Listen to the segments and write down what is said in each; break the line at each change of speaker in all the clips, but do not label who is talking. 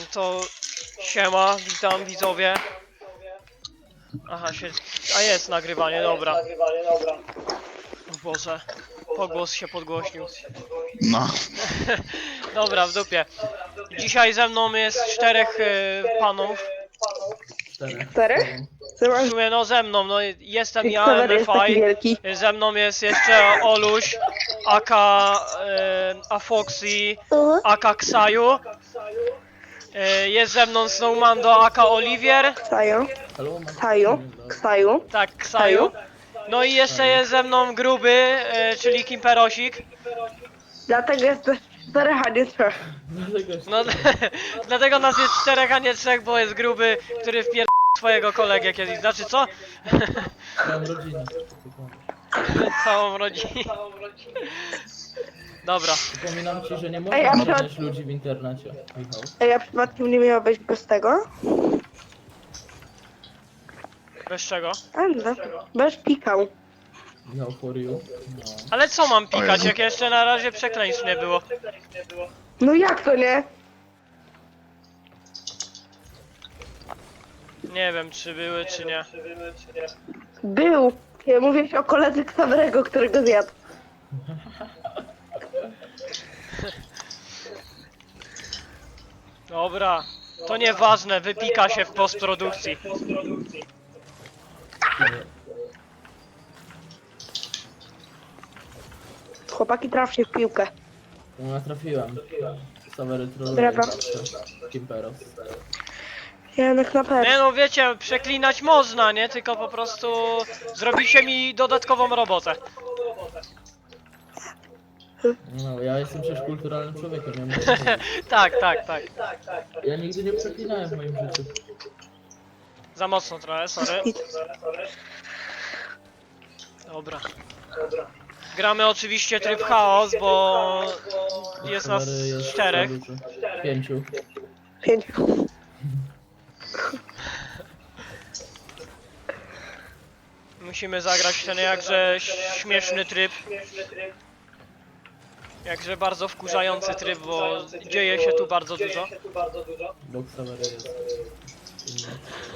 to siema, witam widzowie. Aha, a jest nagrywanie, dobra. O Boże, pogłos się podgłośnił.
No.
Dobra, w dupie. Dzisiaj ze mną jest czterech panów.
Czterech?
W sumie no ze mną, no jestem ja,
Xaver jest taki
MFI.
wielki.
Ze mną jest jeszcze Oluś, aka Afoxy, aka Ksaju. Jest ze mną Snowmando, aka Oliwier.
Ksaju. Ksaju.
Tak, Ksaju. No i jeszcze jest ze mną Gruby, czyli Kimperosik.
Dlatego jest też czterech, a nie trzech.
No dlatego nas jest czterech, a nie trzech, bo jest Gruby, który wpier... swojego kolegę kiedyś. Znaczy co?
Całą rodzinę.
Całą rodzinę. Dobra.
Przypominam ci, że nie
Ej, a
można
przed-
znaleźć ludzi w internecie, Michał.
Ej, a przypadkiem nie miała być bez tego?
Bez czego?
A no, bez pikał.
Michał for you. No.
Ale co mam
O
pikać,
Jezu.
jak jeszcze na razie przekleństw nie było?
No jak to nie?
Nie wiem, czy były, czy nie.
Był. Ja mówię o koledze Ksawerego, którego zjadł.
Dobra. To nieważne, wypika się w postprodukcji.
Chłopaki, traf się w piłkę.
No ja trafiłem. Sawery troluje
Brawa.
zawsze. Kimperos.
Janek na
Nie
pewno.
no wiecie, przeklinać można, nie? Tylko po prostu zrobicie mi dodatkową robotę.
No, ja jestem przecież kulturalnym człowiekiem, ja muszę powiedzieć.
Tak, tak, tak.
Ja nigdy nie przeklinałem w moim życiu.
Za mocno trochę, sorry. Dobra. Gramy oczywiście tryb chaos, bo jest nas
Sawery jest
czterech.
za dużo. 5.
5.
Musimy zagrać ten jakże śmieszny tryb. Jakże bardzo wkurzający tryb, bo dzieje się tu bardzo dużo.
Bo Sawery jest inny.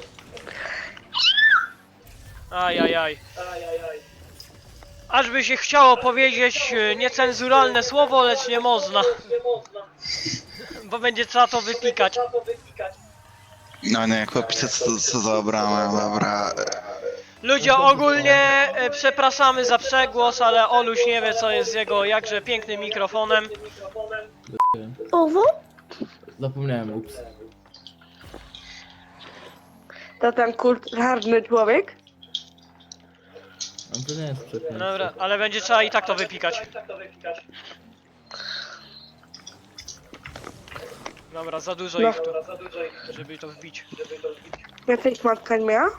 Ajajaj. Aż by się chciało powiedzieć niecenzuralne słowo, lecz nie można. Bo będzie trzeba to wypikać.
No nie, chłopcy, co za bramę, dobra.
Ludzie, ogólnie przepraszamy za przegłos, ale Oluś nie wie, co jest z jego jakże pięknym mikrofonem.
Owo?
Zapomniałem, ups.
To ten kulturalny człowiek?
No to nie jest przekleństwo.
Dobra, ale będzie trzeba i tak to wypikać. Dobra, za dużo
No.
ich tu, żeby to wbić.
Jacyś matka nie miała?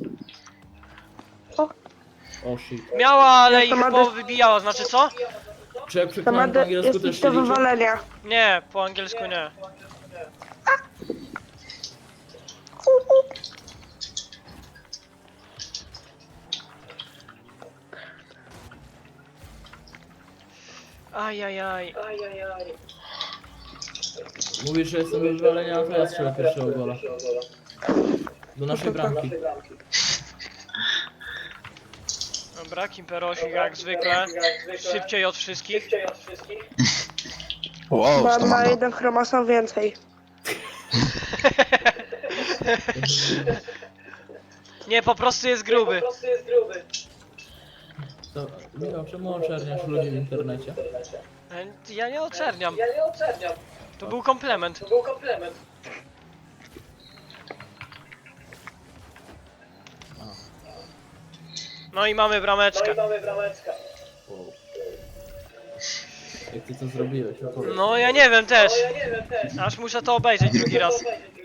O shit.
Miała, ale
Ja to
ich
ma
powybijała, znaczy co?
Czy jak
To
przeklinałem
ma
po angielsku
jest
też
ich
się
do
liczy?
wywalenia.
Nie, po angielsku nie. Ajajaj.
Mówisz, że jestem do wywalenia, to ja strzelę pierwszego gola. Do naszej bramki.
Dobra, Kimperosik jak zwykle. Szybciej od wszystkich.
Wow,
Ma,
to
ma
mam.
jeden chromosom więcej.
Nie, po prostu jest gruby.
To, Michał, czemu oczerniasz ludzi w internecie?
Ja nie oczerniam. To był komplement. No i mamy brameczkę.
Wow. Jak ty to zrobiłeś? Opowiedz.
No ja nie wiem też. Aż muszę to obejrzeć drugi raz.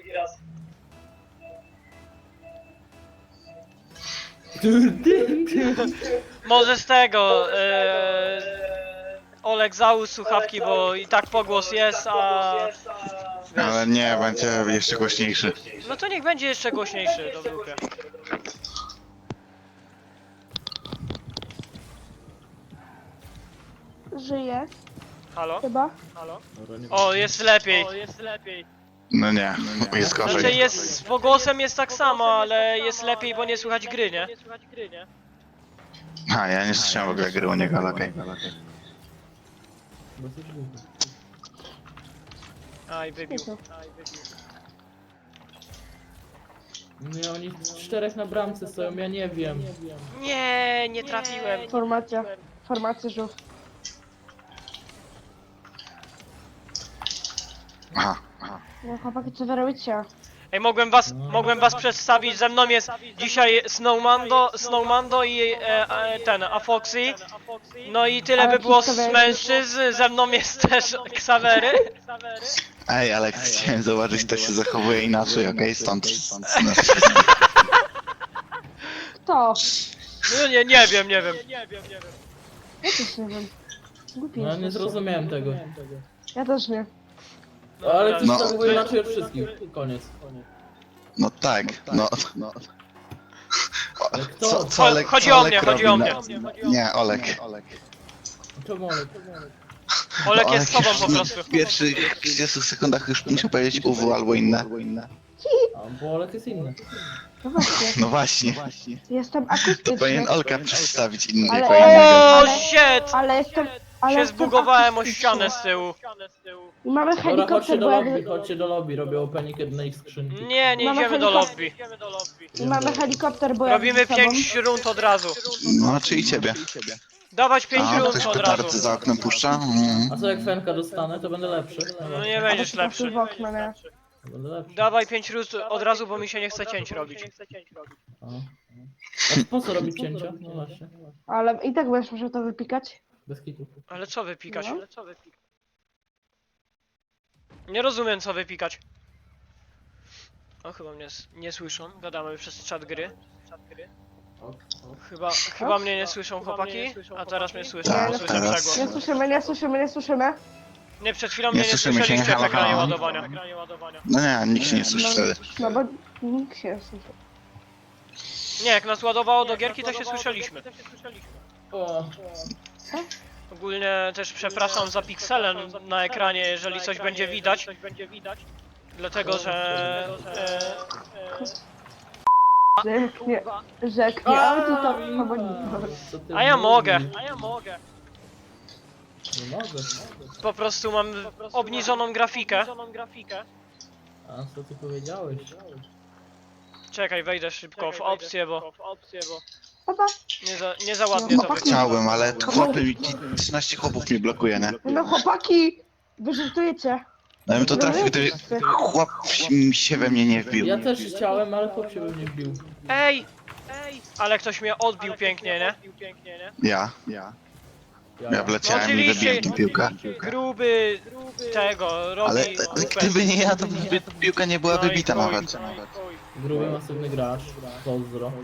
Może z tego Olek załóż słuchawki, bo i tak pogłos jest, a...
Ale nie, będzie jeszcze głośniejszy.
No to niech będzie jeszcze głośniejszy, do dupy.
Żyje,
Halo?
chyba.
Halo?
Dobra, nie
O, jest lepiej.
No nie, jest
Znaczy
gorzej.
jest, z pogłosem jest tak samo, ale jest lepiej, bo nie słychać gry, nie?
A, ja nie słyszałem w ogóle gry u niego, ale okej.
Dosyć głupi.
Aj, wybił.
Nie, oni 4 na bramce stoją, ja nie wiem.
Nie, nie trafiłem.
Formacja żółw.
Aha.
No chłopaki, co wy robicie?
Ej, mogłem was przedstawić, ze mną jest dzisiaj Snowmando i ten, Afoxy. No i tyle
Ale
by było z
przedstawiałeś-
mężczyzn, ze mną jest też Ksawery.
Ej, ale chciałem zobaczyć, kto się zachowuje inaczej, okej? Stąd.
Kto?
No nie wiem.
Ja też nie wiem. Głupi
No ja nie
jesteście.
zrozumiałem tego.
Ja też nie.
Ale ty
No.
się zachowuje inaczej od wszystkich. Koniec.
No tak, no.
Ale kto?
Co Olek,
Chodzi
co
o
Olek
mnie, chodzi
robi
o mnie.
Nie, Olek.
Czemu Olek?
Olek
No,
jest sobą po prostu.
W pierwszych 30 sekundach już muszę powiedzieć UW albo inne.
A, bo Olek jest inny.
No właśnie.
No właśnie.
Jestem
To
akustyczny.
powinien Olka przedstawić
Ale-
innego innego.
O shit!
Ale jestem... Ale
Się
jestem
zbugowałem o
akustyczny.
ścianę z tyłu.
I mamy
Dobra, chodźcie
helikopter,
do
bo
lobby,
jak...
chodźcie do lobby, robię opening jednej skrzynki.
Nie
Mamy
idziemy do
helikopter.
lobby.
I mamy helikopter, bo jak
Robimy
ze sobą.
5 rund od razu.
No, czy i ciebie.
Dawać 5
A,
rund
ktoś
od
petardy
razu.
za oknem puszcza?
A co jak Fenka dostanę, to będę lepszy.
No nie będziesz lepszy.
W okno, nie?
Będę lepszy.
Dawaj 5 rund od razu, bo mi się nie chce cięć robić.
A. A po co robić cięcia? No właśnie.
Ale i tak będziesz musiał to wypikać.
Bez kitu.
Ale co wypikać?
No.
Nie rozumiem co wypikać. O, chyba mnie nie słyszą. Gadamy przez czat gry. Chyba mnie nie słyszą chłopaki, a teraz mnie słyszą,
Tak,
bo słyszę
teraz.
przegłos.
Nie słyszymy.
Nie, przed chwilą
Nie
mnie nie
słyszymy cię,
słyszeliście w
halo,
ekranie
halo.
ładowania.
No nie, nikt się nie słyszy wtedy.
No bo nikt się nie słyszy.
Nie, jak nas ładowało do gierki, to się słyszeliśmy.
O,
Ogólnie też przepraszam za pikselem na ekranie, jeżeli coś będzie widać. Dlatego, że...
Rzeknie, ale to tam
co ty
A ja
mówisz?
mogę.
Nie mogę.
Po prostu mam obniżoną grafikę.
A co ty powiedziałeś?
Czekaj, wejdę szybko w opcję, bo
Papa.
nie za ładnie to wygląda.
Chciałbym, ale chłopy mi, 13 chłopów mi blokuje, nie?
No chłopaki! Wy żartujecie.
Ja bym to trafił, gdyby chłop się we mnie nie wbił.
Ja też chciałem, ale chłop się we mnie wbił.
Ej! Ale ktoś mnie odbił pięknie, nie?
Ja
No
wleciałem i
oczywiście,
wybiłem tę piłkę.
gruby tego robi
Ale
grupę.
gdyby nie ja, to by piłka nie była
No i
wybita
chuj.
nawet.
Gruby, masywny gracz. Pozdro.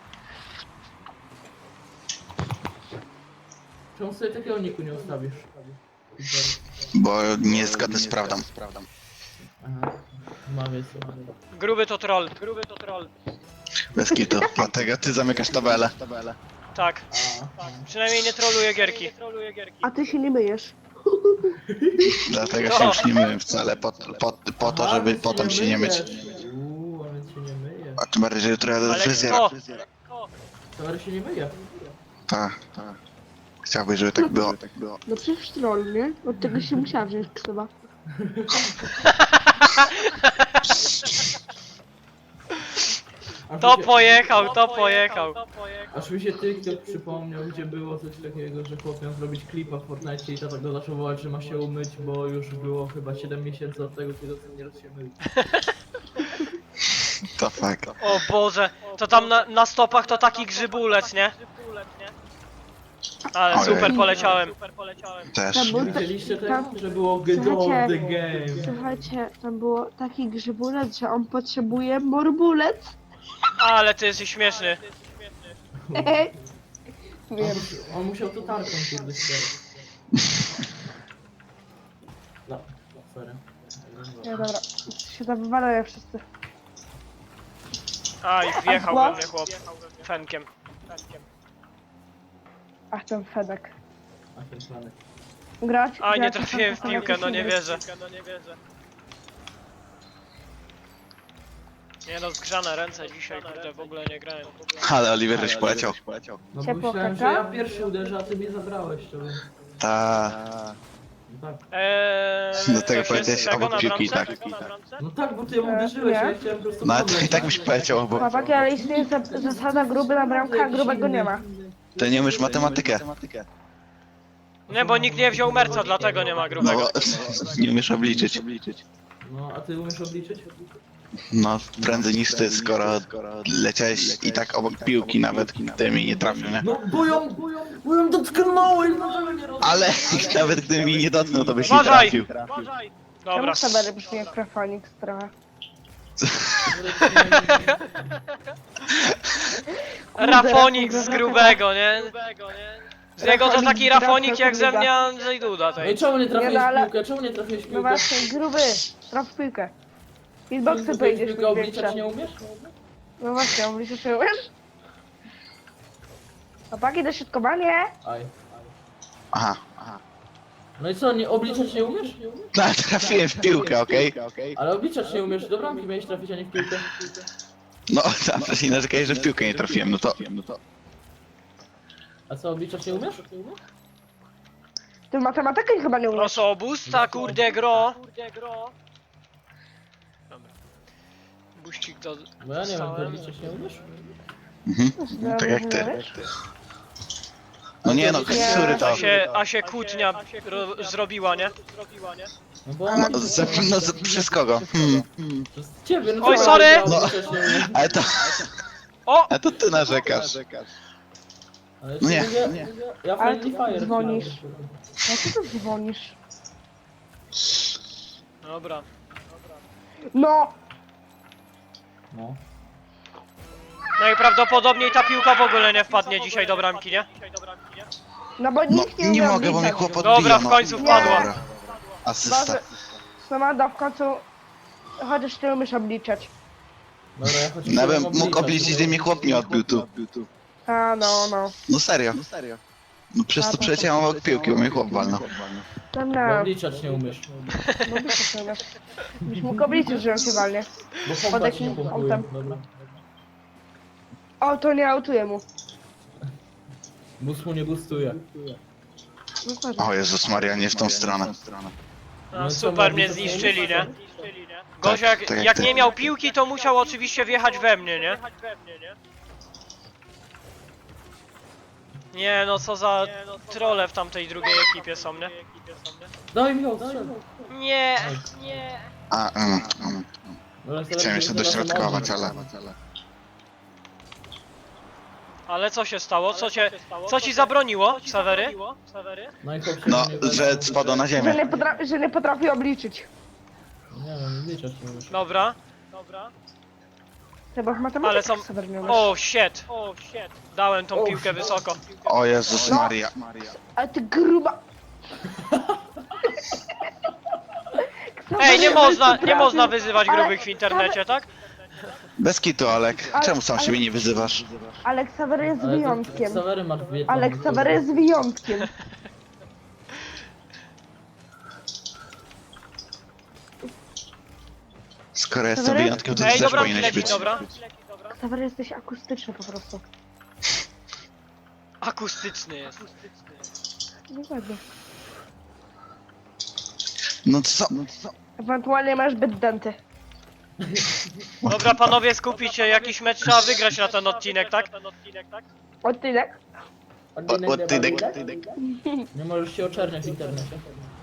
Czemu sobie takiego niku nie ustawisz?
Bo nie jest zgodny z prawdą.
Aha. Mawię sobie.
Gruby to troll.
Bez kitu. Dlatego ty zamykasz tabelę.
Tak. Przynajmniej nie troluje gierki.
A ty się nie myjesz.
Dlatego się już nie myłem wcale, po to, żeby potem się nie myć.
a więc się nie myje.
A tym bardziej, że jutro jadę do
Ale
fryzjera.
kto?
Tower się nie myje.
Tak. Chciałbyś, żeby tak było.
No przecież troll, nie? Od tego się musiała wziąć ksywa.
To pojechał.
Aż mi się TikTok przypomniał, gdzie było coś takiego, że chłop miał zrobić klipa w Fortnite i tata go zaczął wołać, że ma się umyć, bo już było chyba 7 miesięcy od tego, kiedy ostatni raz się mył.
To fakt.
O Boże, to tam na stopach to taki grzybulec, nie? Ale
Ojej.
super poleciałem.
Też.
Widzieliście to, że było get on the game.
Słuchajcie, tam było taki grzybulec, że on potrzebuje morbulec.
Ale ty jesteś śmieszny.
Wiem.
On musiał to tarką kurde ścierać. No, sorry.
Nie, dobra. Się tam wywalają wszyscy.
Aj, wjechał we mnie chłop. Fenkiem.
Ach, ten Fedek.
A ten planek.
Grać?
Aj, nie
grać,
trafiłem w
tam
piłkę, no nie
jakieś
wierzę. Nie no, zgrzane ręce dzisiaj, kurde, w ogóle nie grałem.
Ale Oliver żeś poleciał.
No bo
Ciepło
myślałem, że
kaka?
ja pierwszy uderzę, a ty mnie zabrałeś, to więc...
Ta.
Tak.
Do tego
coś
powiedziałeś
jest tego
obok
na
piłki,
bramce?
tak.
No tak, bo ty uderzyłeś,
Nie.
ja chciałem po prostu
No ale to
podleć.
i tak byś poleciał obok.
Chłopaki, ale istnieje zasada gruby na bramkę, a grubego nie ma.
Ty nie umiesz matematykę.
Nie, bo nikt nie wziął merca, dlatego nie ma
No
grubego.
bo nie umiesz obliczyć.
No, a ty umiesz obliczyć?
No prędzej niż ty, skoro leciałeś i tak obok piłki nawet, gdy mi nie trafił, nie?
No, bo ją dotknąłeś, no nie rozumiem.
Ale nawet gdy mi nie dotknął, to byś nie
Uważaj!
trafił.
Dobra.
Czemu Sabery brzmi jak Rafonix trochę?
Rafonik z grubego, nie? Z niego to taki rafonik jak ze mnie Andrzej Duda
No
tej.
i czemu nie trafiłeś
Nie, no, ale-
w piłkę? Czemu nie trafiłeś w
No
piłkę?
właśnie, gruby, traf w piłkę. Hitboxy pojedziesz
piłkę
mi
obliczać
większe.
nie umiesz?
No właśnie, obliczysz się umiesz? Chłopaki, dośrodkowanie?
Aj.
Aha.
No i co, nie obliczać nie umiesz?
No ale trafiłem w piłkę, okej?
Ale obliczać nie umiesz, do bramki miałeś trafić, a nie w piłkę.
No, tam wcześniej narzekałeś, że w piłkę nie trafiłem, no to...
A co, obliczać nie umiesz?
Ty matematykę chyba nie umiesz.
Proszę o busta, kurde gro. Dobra. Buścik do...
Bo ja nie wiem, ty obliczać nie umiesz?
Mhm. Tak jak ty. No nie no, który to...
A się kłótnia zrobiła, nie?
No bo
No, przez kogo?
przez ciebie, no
Oj,
co,
sorry!
ja
No.
obliczać nie umiem.
O!
Ale to ty narzekasz.
Ale
No nie,
Ja
Ale
Friendly
ty
Fire
dzwonisz.
chciałem.
Jak ty tu dzwonisz?
Dobra.
No!
No.
Najprawdopodobniej ta piłka w ogóle nie wpadnie dzisiaj do bramki, nie?
No bo
No
nikt nie
nie
umie
mogę, bo mnie
obliczać.
chłop
Dobra,
odbija,
w
no.
końcu wpadła.
Dobra. Asysta.
Boże, Samanda w końcu... Chociaż ty umiesz obliczać.
Dobra, ja choć
No bym
umiem
mógł obliczyć, gdy mnie chłop nie odbił tu.
A, no.
No serio. No przez to przeleciałem obok piłki, bo mnie chłop walnął.
No,
Bo
no.
obliczać nie umiesz.
No obliczać nie umiesz. Byś mógł obliczyć, że on się walnie.
Bo
Pod
pompać
jakim
nie pompują.
autem?
Dobra.
O, to nie autuje mu.
Bus mu nie boostuje.
No patrz.
O Jezus Maria, nie w tą stronę.
No, super mnie zniszczyli, nie? Gość
Tak,
jak,
tak jak
jak
ty.
nie miał piłki, to musiał oczywiście wjechać we mnie, nie? Nie no, co za trolle w tamtej drugiej ekipie są, nie?
Daj mi go, strzel.
Nie.
A,
Dobra,
chciałem jeszcze dośrodkować, ale...
Ale co się stało? Co ci zabroniło, Sawery?
No i chłop się
No,
nie
że spadł na ziemię.
Że nie potrafi obliczyć.
Nie wiem, obliczać nie umiesz.
Dobra.
Chyba w
Ale
matematyce
są...
sobie nie umiesz.
O, shit. Dałem tą piłkę wysoko.
O Jezus Maria.
Ale ty gruba...
Ej, nie można wyzywać grubych w internecie, tak?
Bez kitu, Olek. Czemu sam siebie nie wyzywasz?
Alek Sawery jest
Ale to
wyjątkiem.
Sawery masz wie-
Alek Sawery jest wyjątkiem.
Skoro jestem
Sawery?
wyjątkiem, to ty
Ej,
też
dobra,
powinieneś
leci,
być.
dobra.
Sawery jesteś akustyczny po prostu.
Akustyczny jest.
Dokładnie.
No co?
Ewentualnie masz zbyt denty.
Dobra, panowie, skupić się, jakiś mecz trzeba wygrać na ten odcinek, tak?
Odtynek?
Odtydek.
Nie możesz się oczerniać w internecie.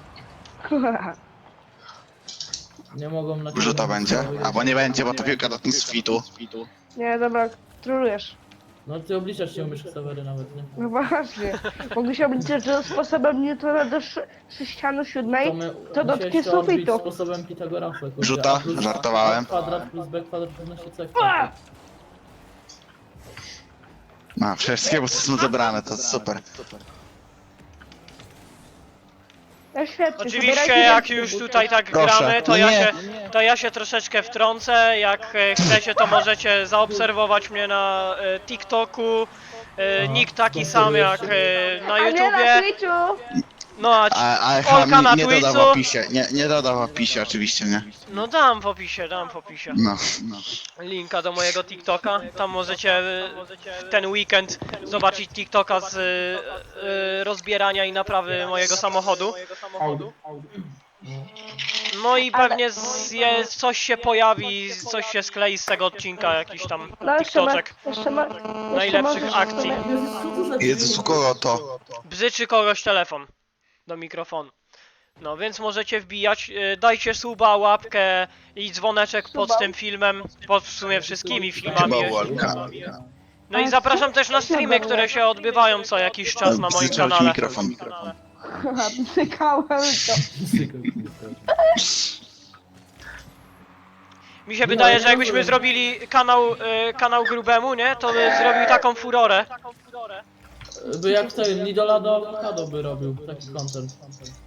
Nie mogą na ciebie...
Rzuta będzie? Albo nie będzie, bo to piłka do tym sfitu.
Nie, dobra, trolujesz.
No ty obliczać nie umiesz Sawery nawet, nie?
No właśnie. Mogę się obliczyć, że sposobem Newtona do sześcianu siódmej to
musiałeś
dotknie
to odbić
sufitu.
sposobem Pitagorasa. kurde.
Rzuta?
A plus
Żartowałem.
A kwadrat plus b kwadrat równa się c
A!
kwadrat.
No, wszystkie są zebrane, to super.
No świetnie.
Oczywiście,
zabierajcie
jak
więcej
już
butów.
tutaj tak
Proszę.
gramy,
No nie.
to ja się troszeczkę wtrącę. Jak chcecie, to możecie zaobserwować mnie na TikToku. Nick taki sam jak na
A nie na
YouTubie.
Twitchu!
No a
A
Olka na
nie dodał w
Twitchu.
opisie, nie dodał w opisie oczywiście, nie?
No dam w opisie, dam w opisie.
No.
Linka do mojego TikToka. Tam możecie w ten weekend zobaczyć TikToka z rozbierania i naprawy mojego samochodu. No i pewnie coś się pojawi, coś się sklei z tego odcinka, jakiś tam
No
TikToczek
jeszcze
najlepszych
możesz
akcji.
Jezus, co to za
Jezus, u kogo to?
Bzyczy kogoś telefon do mikrofonu. No więc możecie wbijać, dajcie suba, łapkę i dzwoneczek pod
Suba.
tym filmem, pod w sumie wszystkimi
Chyba
filmami.
Olka.
No i zapraszam też na streamy, które się odbywają co jakiś czas na moim
Bzyczał ci
kanale.
mikrofon.
Cykałem to.
Mi się wydaje, że jakbyśmy zrobili kanał grubemu, nie? To by zrobił taką furorę.
By jak ten Nidola do awokado by robił taki content.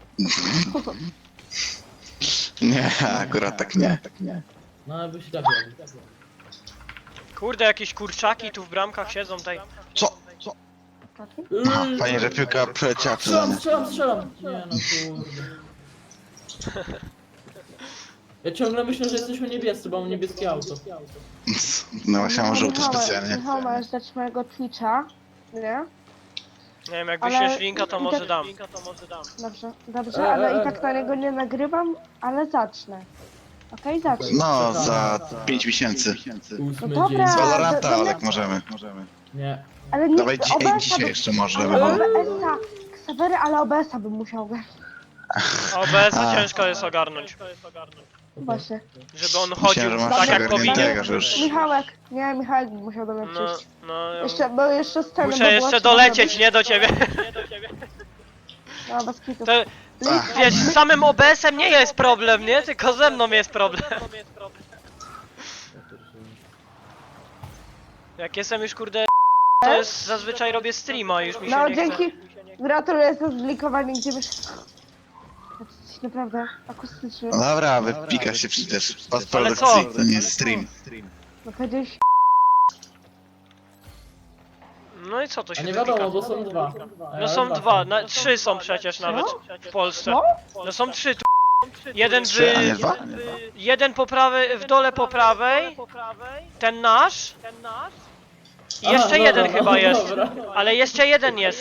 Nie, akurat tak nie.
No ale by się tak robił.
Kurde, jakieś kurczaki tu w bramkach siedzą tutaj.
Co? Aha, fajnie, że piłka przeleciała przeze mnie.
Strzelam! Nie no kurde. Ja ciągle myślę, że jesteśmy niebiescy, bo mam niebieskie auto.
No właśnie mam żółty
Michał,
specjalnie.
Michał, możesz dać mojego Twitcha, nie?
Nie wiem, jak
Ale-
wyślesz linka, to
i
może
tak-
dam.
Dobrze, ale i tak na niego nie nagrywam, ale zacznę. Okej, zacznę.
No, za 5 miesięcy.
8
No dobra.
dzień.
Z
do-
Valoranta,
do-
Olek, możemy.
Nie.
Ale nie
Dawaj
OBS-a
dzisiaj
bym-
jeszcze może,
nie,
żeby było.
OBS-a, Ksawery, ale OBS-a bym musiał grać.
OBS-a
A.
ciężko jest ogarnąć.
Właśnie.
Żeby on
Myślałem,
chodził
że masz
tak jak powinien.
ogarniętego, że już...
Michałek, nie, Michałek by musiał do mnie
No,
przyjść.
no.
Bo jeszcze sceny
Muszę
by było
jeszcze
trzeba
dolecieć,
zrobić.
nie do ciebie.
No, bez kitu.
To,
Ach.
wiesz, z samym OBS-em nie jest problem, nie? Tylko ze mną jest problem. Jak jestem już kurde, to jest zazwyczaj robię streama i już mi się
No,
nie chce.
dzięki. Gratuluję za zlikowanie, gdzie wiesz... Jesteś naprawdę akustyczny.
No dobra, wypika się przecież. Pas
Ale co?
produkcji, to nie jest stream.
No powiedziałeś...
No i co to
A
się
nie
wypika?
wiadomo, bo są dwa.
No są dwa, trzy są przecież nawet w Polsce.
Co?
No są trzy tu. Jeden
Trzy, a nie
w...
dwa?
Jeden po prawej, w dole po prawej. Ten nasz. I jeszcze jeden chyba jest. Ale jeszcze jeden jest.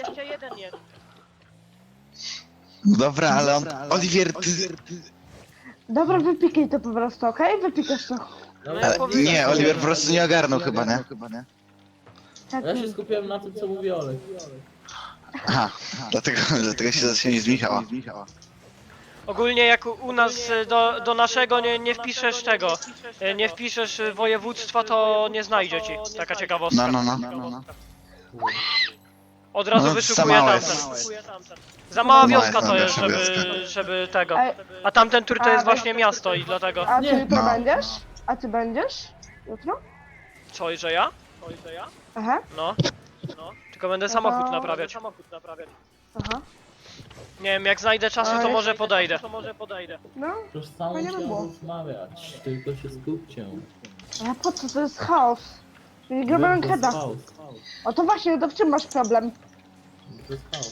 No dobra, ale on... Oliwier, ty...
Dobra, wypikaj to po prostu, okej? Wypikasz to.
Ale, nie, Oliwier po prostu nie ogarnął chyba, nie?
Tak,
Ja się skupiłem na tym, co mówi Olek.
Aha, dlatego się zaczęli z Michała.
Ogólnie jak u nas do naszego nie wpiszesz tego, nie wpiszesz województwa, to nie znajdzie ci. Taka ciekawostka.
No.
Od razu
No, za
wyszukuję
małe
tamten.
jest.
Za mała
Mała
wioska
jest
to jest,
najlepsza
żeby tego.
Ej,
A tamten tur to
A,
jest właśnie miasto i dlatego.
a ty
Nie.
jutro
No.
będziesz? A ty będziesz? Jutro?
Co, i że ja?
Aha,
No. Tylko będę samochód naprawiać.
aha.
Nie wiem, jak znajdę czasu, to
Ale-
może podejdę.
No,
Przecież z samą
Fajnie by
chciałem
było.
rozmawiać, tylko się skupcie.
ale po co? To jest chaos. Nie gramy
To
rankeda.
jest chaos.
O to właśnie, to w czym masz problem?
To jest chaos.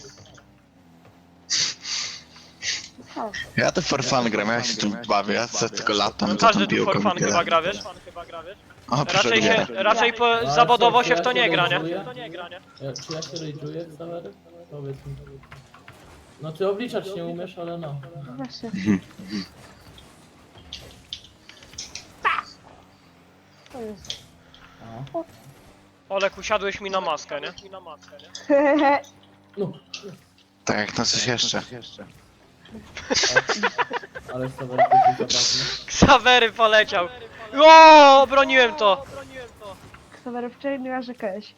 To jest chaos.
Ja to for fun gram, ja się tu bawię, ja sobie tylko latam,
No
za tą
każdy tu
piłką
for
i
fun
tyle.
chyba gra, wiesz?
O, proszę
Raczej zawodowo się w to nie gra, nie?
Czy ja się rage'uję w Sawery? Powiedz mi. No ty obliczać nie umiesz, ale no.
No właśnie. To jest.
A.
Olek, usiadłeś mi na maskę, nie?
No.
Tak jak na coś jeszcze.
Ale Sawery to jest zabawny.
Ksawery poleciał. O, obroniłem to.
Ksawery, wczoraj nie narzekałeś.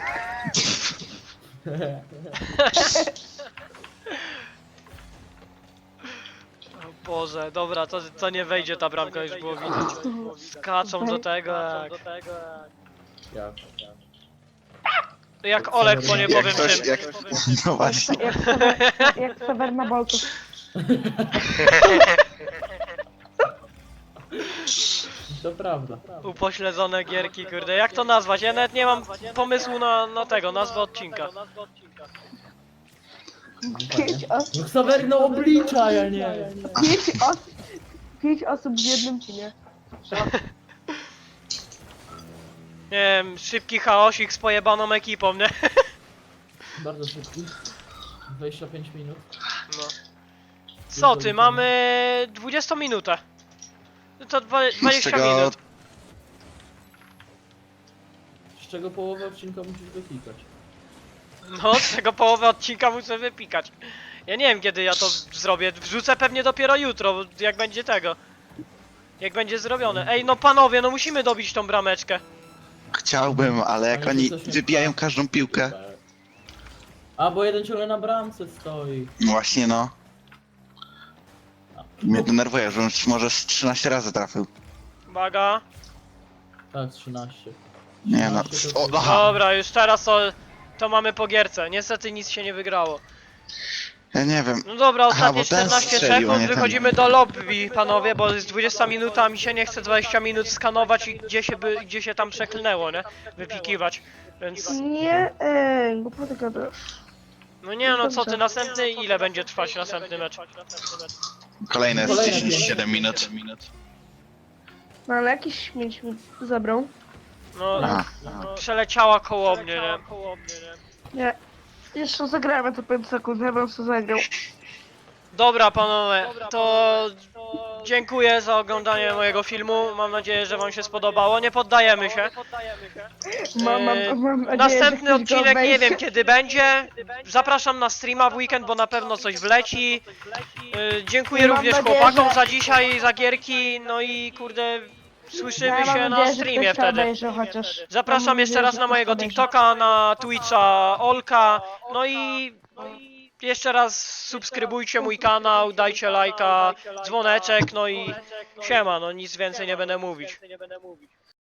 O Boże, dobra, to nie wejdzie ta bramka, już było widać. Skaczą do tego jak...
Jak?
Jak Olek, bo nie
Jak
powiem
ktoś,
czym.
jak... No właśnie.
Jak Ksawer na boltu.
To prawda.
Upośledzone gierki, kurde. Jak to nazwać? Ja nawet nie mam pomysłu na tego, nazwę odcinka.
No Ksawery, no obliczaj, a nie.
5 osób w jednym teamie.
Nie wiem, szybki chaosik z pojebaną ekipą, nie?
Bardzo szybki. 25 minut.
No. Co ty, mamy 20 minutę. No to 20 minut.
Z czego połowę odcinka musisz wyklikać.
No, z czego połowę odcinka muszę wypikać. Ja nie wiem kiedy ja to zrobię. Wrzucę pewnie dopiero jutro, jak będzie tego. Jak będzie zrobione. Ej, no panowie, no musimy dobić tą brameczkę.
Chciałbym, ale jak oni wybijają każdą piłkę.
A, bo jeden ciągle na bramce stoi.
Właśnie no. Mnie denerwuje, że on może z 13 razy trafił.
Uwaga.
Tak, 13.
Nie no.
13 to-
O, aha.
Dobra, już teraz to mamy po gierce. Niestety nic się nie wygrało.
Ja nie wiem.
No dobra,
Aha,
ostatnie
bo ten
14
strzelił, a
sekund,
nie ten.
wychodzimy do lobby, panowie, bo jest 20 minuta, a mi się nie chce 20 minut skanować i gdzie się tam przeklnęło, nie? Wypikiwać, więc...
Nie, głupoty gadasz.
No nie no, co ty, następny, ile będzie trwać następny mecz?
Kolejne jest
Kolejne
10-7 minut.
No ale jakiś śmieć mi zabrał.
No,
Aha.
przeleciała koło mnie, nie?
Nie. Jeszcze zagramy to 5 sekund, ja bym sobie zagrał.
Dobra panowie, to dziękuję za oglądanie mojego filmu, mam nadzieję, że wam się spodobało, nie poddajemy się.
Mam nadzieję,
Następny
że ktoś go
odcinek nie
obejrzy.
wiem kiedy będzie. Zapraszam na streama w weekend, bo na pewno coś wleci. Dziękuję
Mam
również
nadzieję,
chłopakom
że-
za dzisiaj, za gierki. No i kurde, słyszymy
Ja mam
się na
nadzieję, że
streamie
ktoś to
wtedy.
obejrzy chociaż.
Zapraszam
Mam
jeszcze
nadzieję,
raz
że
na
ktoś
mojego
to obejrzy.
TikToka, na Twitcha Olka. No i jeszcze raz subskrybujcie mój kanał, dajcie lajka, dzwoneczek, no i siema, no nic więcej nie będę mówić.